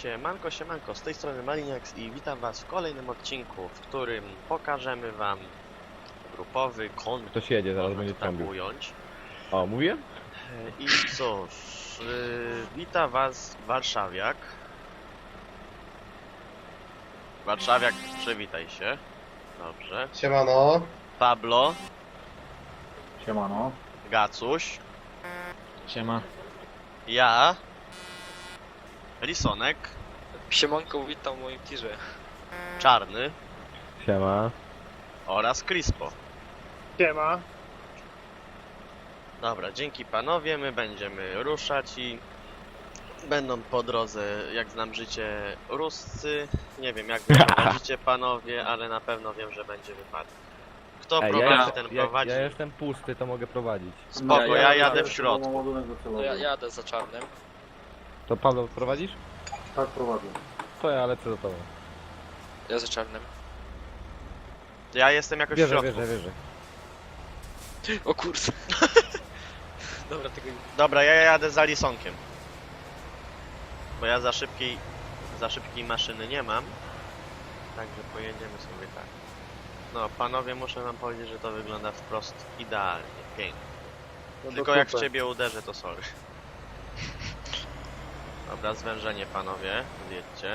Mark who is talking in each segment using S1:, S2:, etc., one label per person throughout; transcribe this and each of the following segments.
S1: Siemanko, siemanko, z tej strony Maliniax i witam was w kolejnym odcinku, w którym pokażemy wam grupowy konwój,
S2: Ktoś jedzie, zaraz będzie
S1: tak
S2: trąbił.
S1: ująć.
S2: O, mówiłem?
S1: I cóż, wita was warszawiak. Warszawiak, przywitaj się. Dobrze.
S3: Siemano.
S1: Pablo,
S3: Siemano.
S1: Gacuś,
S4: Siema.
S1: ja, Lisonek,
S4: Siemanko, witam w moim tirze.
S1: Czarny
S2: Siema.
S1: oraz Crispo.
S3: Siema.
S1: Dobra, dzięki panowie, my będziemy ruszać i będą po drodze, jak znam życie, Ruscy. Nie wiem jak wy prowadzicie panowie, ale na pewno wiem, że będzie wypadek. Kto prowadzi, ten prowadzi.
S2: Ja jestem pusty, to mogę prowadzić.
S1: Spoko, ja jadę w środku.
S4: No ja jadę za czarnym.
S2: To Paweł prowadzisz?
S3: Tak prowadzę.
S2: To ja lecę za tobą.
S4: Ja za czarnym.
S1: Ja jestem jakoś w
S2: Wierzę,
S1: środku.
S2: wierzę.
S4: O kurde. Dobra, tego nie...
S1: Dobra, ja jadę za Lisonkiem. Bo ja za szybkiej maszyny nie mam. Także pojedziemy sobie tak. No panowie, muszę wam powiedzieć, że to wygląda wprost idealnie, pięknie. Tylko jak w ciebie uderzę, to sorry. Dobra, zwężenie panowie, zjedźcie.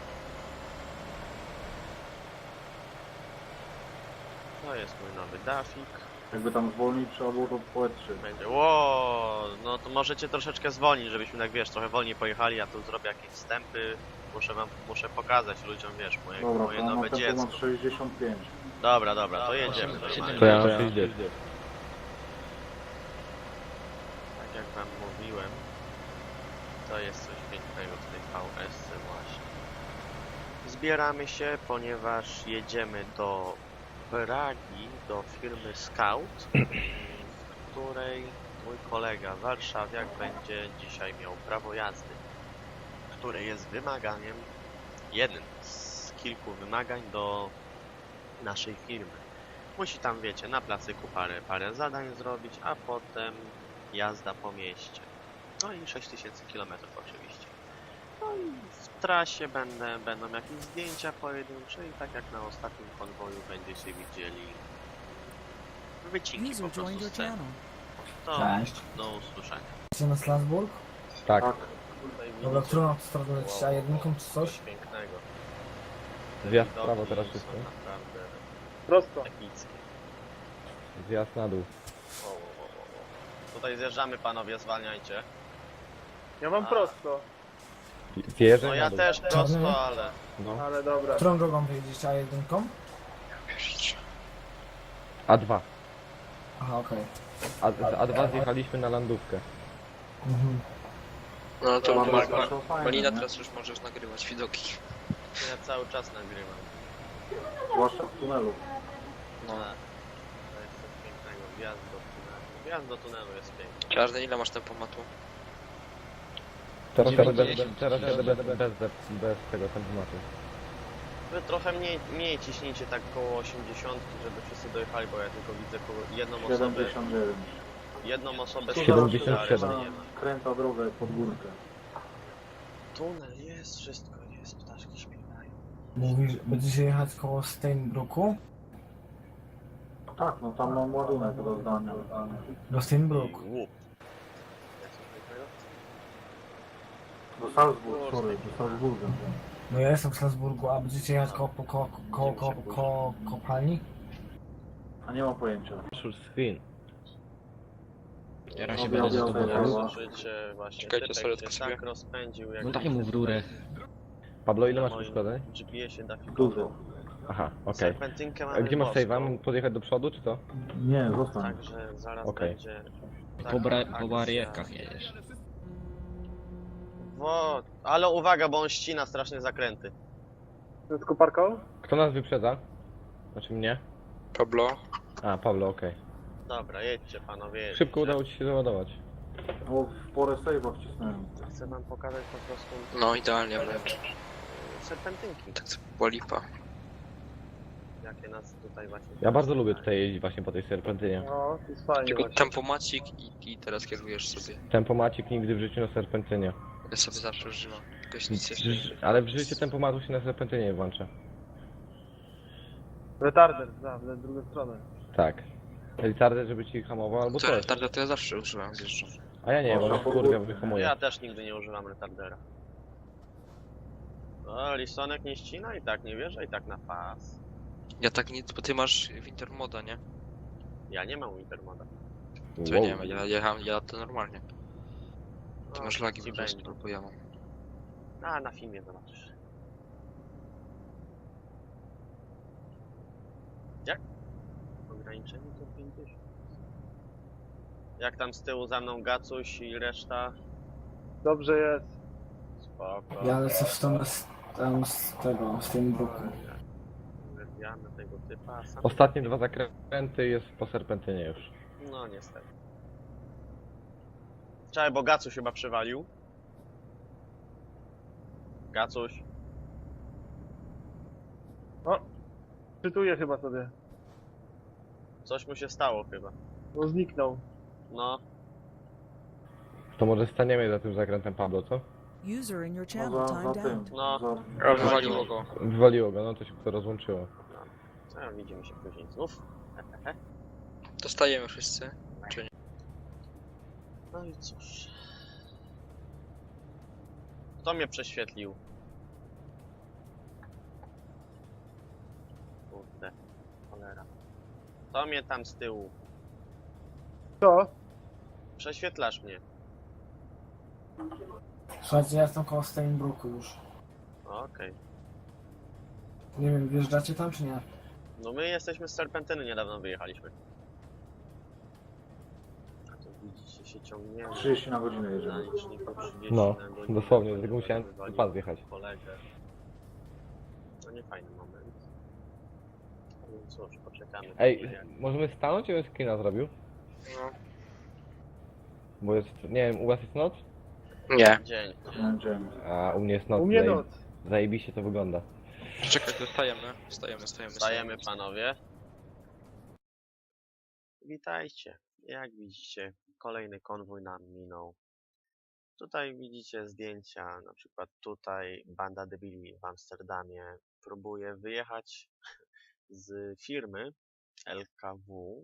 S1: To jest mój nowy dafik.
S3: Jakby tam zwolnić trzeba było to poetrzy.
S1: Będzie, ło, no to możecie troszeczkę zwolnić, żebyśmy tak, wiesz, trochę wolniej pojechali, ja tu zrobię jakieś wstępy. Muszę pokazać ludziom, wiesz,
S3: Dobra,
S1: moje
S3: to na
S1: nowe
S3: tempo
S1: dziecko.
S3: mam 65.
S1: Dobra, to jedziemy normalnie.
S2: To ja mam 60.
S1: Tak jak wam mówiłem, to jest coś pięknego w tej VS właśnie. Zbieramy się, ponieważ jedziemy do Pragi, do firmy Scout, w której mój kolega warszawiak będzie dzisiaj miał prawo jazdy, które jest wymaganiem, jednym z kilku wymagań do naszej firmy. Musi tam, wiecie, na placyku parę zadań zrobić, a potem jazda po mieście. No i 6000 km oczywiście. No i w trasie będą jakieś zdjęcia pojedyncze i tak jak na ostatnim konwoju będziecie widzieli wycinki po
S5: User joined
S1: prostu
S5: your
S1: scen.
S5: channel.
S1: To
S6: Cześć.
S1: do usłyszenia.
S6: Jesteście na Strasburg?
S2: Tak.
S1: Tutaj
S6: Dobra,
S1: widzicie,
S6: którą autostradą lecicie? A1 czy coś?
S1: pięknego.
S2: Zjazd w
S1: Widoki
S2: prawo teraz
S1: są
S2: wszystko.
S1: naprawdę
S3: Prosto.
S1: epickie.
S2: Zjazd na dół.
S1: Wo. Tutaj zjeżdżamy panowie, zwalniajcie.
S3: Ja mam prosto,
S2: Wjeżdżaj
S1: No
S2: na
S1: ja
S2: dół.
S1: też
S6: Czarny?
S1: prosto, ale...
S2: No.
S3: ale dobra.
S6: Którą drogą wyjedziecie? A1?
S2: A2.
S6: Aha, okej.
S2: A z A2 zjechaliśmy na landówkę.
S6: Mhm.
S4: No to
S3: Dobra,
S4: Malina,
S3: to fajne, nie?
S4: teraz już możesz nagrywać widoki.
S1: Ja cały czas nagrywam.
S3: Zwłaszcza w tunelu.
S4: No.
S1: Tak. To jest coś pięknego. Wjazd do tunelu. Wjazd do tunelu jest piękny.
S4: Czarny, ile masz tempomatu?
S2: Teraz jadę bez tego tempomatu.
S1: Wy trochę mniej ciśnijcie tak koło 80, żeby wszyscy dojechali, bo ja tylko widzę jedną osobę.
S3: 79.
S1: Jedną osobę
S2: 77.
S1: nie ma.
S3: Kręta drogę pod górkę.
S1: Tunel jest, wszystko jest, ptaszki śpiewają.
S6: Mówisz, będziecie jechać koło Steinbrooku?
S3: Tak, no tam mam ładunek do zdania.
S6: Do Steinbrook.
S1: Łup.
S3: Do Salzburg, sorry, do Salzburga.
S6: No ja jestem w Strasburgu, a będziecie jechać koło kopalni?
S3: A nie mam pojęcia.
S2: Swin.
S4: Ja
S3: się będę zadowolony.
S1: Zobaczycie właśnie,
S4: Czekajcie,
S1: typek
S4: sorry,
S1: się
S4: tylko sobie.
S1: tak rozpędził, jak
S7: No daj mu w rurę.
S2: Pablo, ile
S1: na
S2: masz
S1: moim
S2: przeszkodzeń?
S1: GPS-ie da
S3: Dużo.
S2: Aha, okej.
S1: Serpentynkę
S2: A
S1: mamy
S2: gdzie masz
S1: boską,
S2: save'a? Mam podjechać do przodu, czy co?
S3: Nie, zostań.
S1: Także zaraz
S2: Okej.
S1: będzie...
S7: Po,
S1: taka
S7: po
S1: akcja.
S7: barierkach jedziesz.
S1: Ale uwaga, bo on ścina strasznie zakręty.
S3: Z koparką?
S2: Kto nas wyprzedza? Znaczy mnie?
S4: Pablo?
S2: A, Pablo, okej.
S1: Dobra, jedźcie panowie, jedźcie.
S2: Szybko udało ci się załadować.
S3: No w porę save'a wcisnąłem.
S1: Chcę wam pokazać po prostu
S4: No idealnie wręcz.
S1: serpentynki,
S4: Tak to była lipa.
S1: jakie nas tutaj właśnie...
S2: Ja bardzo lubię tutaj jeździć właśnie po tej serpentynie.
S3: No, to jest fajnie
S4: Tylko
S3: właśnie.
S4: tempomacik i teraz kierujesz sobie.
S2: Tempomacik nigdy w życiu na serpentynie.
S4: Ja sobie zawsze używam. Jakoś nic jeszcze nie...
S2: Ale w życiu tempomatu się na serpentynie nie włącza.
S5: Retarder, w drugą stronę.
S2: Tak. Retarder, żeby ci hamował albo
S4: To
S2: coś.
S4: retarder to ja zawsze używam, zjeżdżam.
S2: A ja nie, bo nas kurwa wyhamuje.
S1: Ja też nigdy nie używam retardera. O, Lisonek nie ścina i tak nie wierzę i tak na pas.
S4: Ja tak nie... Bo ty masz Wintermoda, nie?
S1: Ja nie mam Wintermoda.
S4: To ja nie wiem, ja to normalnie. Ty
S1: O,
S4: masz lagi
S1: ci
S4: po prostu,
S1: będzie.
S4: bo ja mam.
S1: A, na filmie zobaczysz. Jak? Ograniczenie to 50. Jak tam z tyłu za mną Gacuś i reszta?
S5: Dobrze jest.
S1: Spoko.
S6: Ja lecę tam z tego, z tym bruku.
S1: Uwielbiamy tego typa, a sam...
S2: Ostatnie 2 zakręty jest po serpentynie już.
S1: No niestety. Czekaj, bo Gacuś chyba przywalił. Gacuś.
S5: Czytuję chyba sobie.
S1: Coś mu się stało chyba.
S5: Bo zniknął.
S1: No.
S2: To może staniemy za tym zakrętem Pablo, co?
S7: User in your
S3: No
S7: channel
S3: za
S7: timed
S3: tym.
S7: out.
S1: No.
S4: A wywaliło go.
S2: Wywaliło go, no to się to rozłączyło.
S1: A, widzimy się później znów.
S4: Dostajemy wszyscy.
S1: No i cóż. Kto mnie prześwietlił? Kurde. Cholera. Kto mnie tam z tyłu?
S5: Co?
S1: Prześwietlasz mnie.
S6: Słuchajcie, ja jestem koło Steinbruku już.
S1: Okej.
S6: Nie wiem, wjeżdżacie tam czy nie?
S1: No my jesteśmy z Serpentyny, niedawno wyjechaliśmy. A to widzicie, się ciągniemy.
S3: 30 na godzinę
S1: Na
S3: jedziemy.
S1: liczniku 30
S2: No,
S1: na godzinę,
S2: dosłownie,
S1: ponieważ
S2: tylko musiałem
S1: wywalił
S2: pas wjechać.
S1: kolegę. No nie fajny moment. No cóż, poczekamy.
S2: Ej,
S1: chwilę.
S2: możemy stanąć, ja bym screena zrobił?
S4: No.
S2: Bo jest, nie wiem, u was jest noc?
S4: Nie.
S1: Dzień.
S3: Będziemy.
S2: A u mnie jest noc.
S5: U mnie noc.
S2: Zajebiście to wygląda.
S4: Czekaj, to stajemy.
S1: Stajemy panowie. Witajcie. Jak widzicie, kolejny konwój nam minął. Tutaj widzicie zdjęcia, na przykład tutaj banda debili w Amsterdamie próbuje wyjechać z firmy LKW.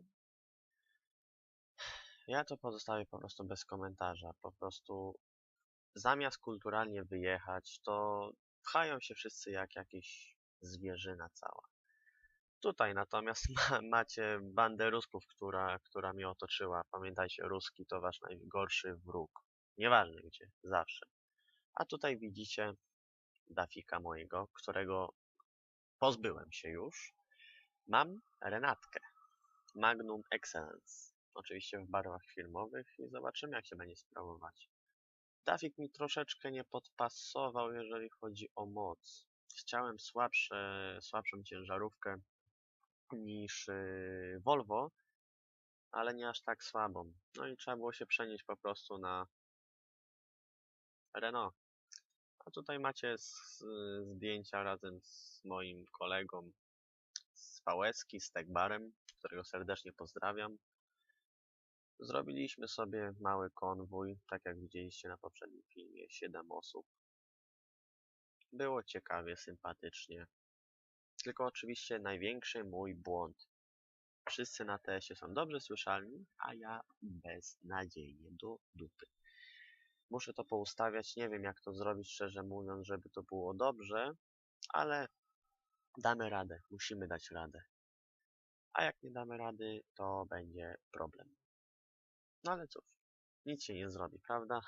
S1: Ja to pozostawię po prostu bez komentarza. Po prostu zamiast kulturalnie wyjechać, to pchają się wszyscy jak jakiś zwierzyna cała. Tutaj natomiast macie bandę Rusków, która mnie otoczyła. Pamiętajcie, Ruski to wasz najgorszy wróg. Nieważne gdzie, zawsze. A tutaj widzicie Dafika mojego, którego pozbyłem się już. Mam Renatkę. Magnum Excellence. Oczywiście w barwach firmowych i zobaczymy jak się będzie sprawować. Dafik mi troszeczkę nie podpasował, jeżeli chodzi o moc. Chciałem słabszą ciężarówkę niż Volvo, ale nie aż tak słabą. No i trzeba było się przenieść po prostu na Renault. A tutaj macie zdjęcia razem z moim kolegą z VS-ki, z Tegbarem, którego serdecznie pozdrawiam. Zrobiliśmy sobie mały konwój, tak jak widzieliście na poprzednim filmie, 7 osób. Było ciekawie, sympatycznie. Tylko oczywiście największy mój błąd. Wszyscy na TS-ie są dobrze słyszalni, a ja beznadziejnie do dupy. Muszę to poustawiać, nie wiem jak to zrobić, szczerze mówiąc, żeby to było dobrze, ale damy radę, musimy dać radę. A jak nie damy rady, to będzie problem. No ale cóż, nic się nie zrobi, prawda?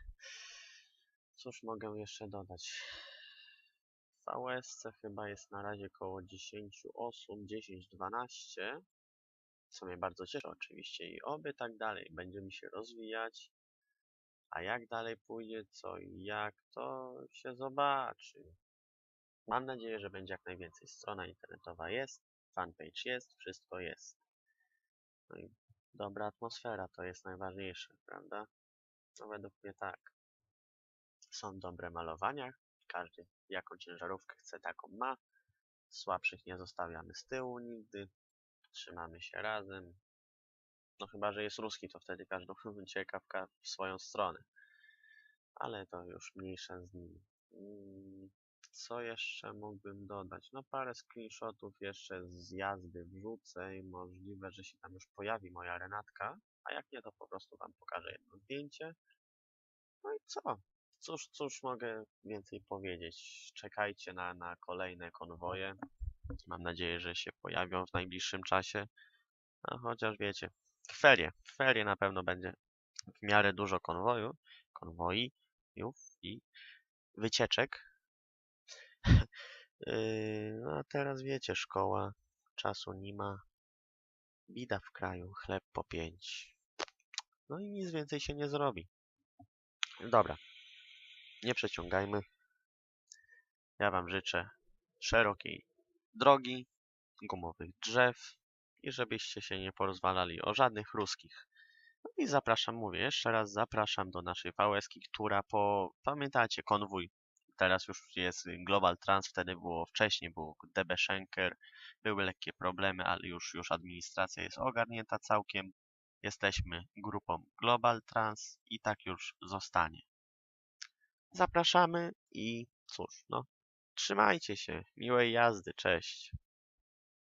S1: Cóż mogę jeszcze dodać? W VS chyba jest na razie około 10 osób, 10-12, co mnie bardzo cieszy oczywiście i oby tak dalej, będziemy się rozwijać, a jak dalej pójdzie, co i jak, to się zobaczy. Mam nadzieję, że będzie jak najwięcej. Strona internetowa jest, fanpage jest, wszystko jest. No i dobra atmosfera to jest najważniejsze, prawda? No według mnie tak. Są dobre malowania, każdy jaką ciężarówkę chce, taką ma. Słabszych nie zostawiamy z tyłu nigdy. Trzymamy się razem. No chyba, że jest ruski, to wtedy każdy ucieka w swoją stronę. Ale to już mniejsza z nimi. Co jeszcze mógłbym dodać? No parę screenshotów jeszcze z jazdy wrzucę i możliwe, że się tam już pojawi moja Renatka, a jak nie, to po prostu wam pokażę jedno zdjęcie. No i co? Cóż mogę więcej powiedzieć? Czekajcie na kolejne konwoje. Mam nadzieję, że się pojawią w najbliższym czasie. A chociaż wiecie, w ferie na pewno będzie w miarę dużo konwojów i wycieczek. No a teraz wiecie, szkoła, czasu nie ma, bida w kraju, chleb po 5. No i nic więcej się nie zrobi. Dobra, nie przeciągajmy. Ja wam życzę szerokiej drogi, gumowych drzew i żebyście się nie porozwalali o żadnych ruskich. No i zapraszam, mówię jeszcze raz, zapraszam do naszej VS-ki, która pamiętacie, konwój. Teraz już jest Global Trans, wtedy wcześniej był DB Schenker, były lekkie problemy, ale już administracja jest ogarnięta całkiem. Jesteśmy grupą Global Trans i tak już zostanie. Zapraszamy i cóż, no, trzymajcie się, miłej jazdy, cześć.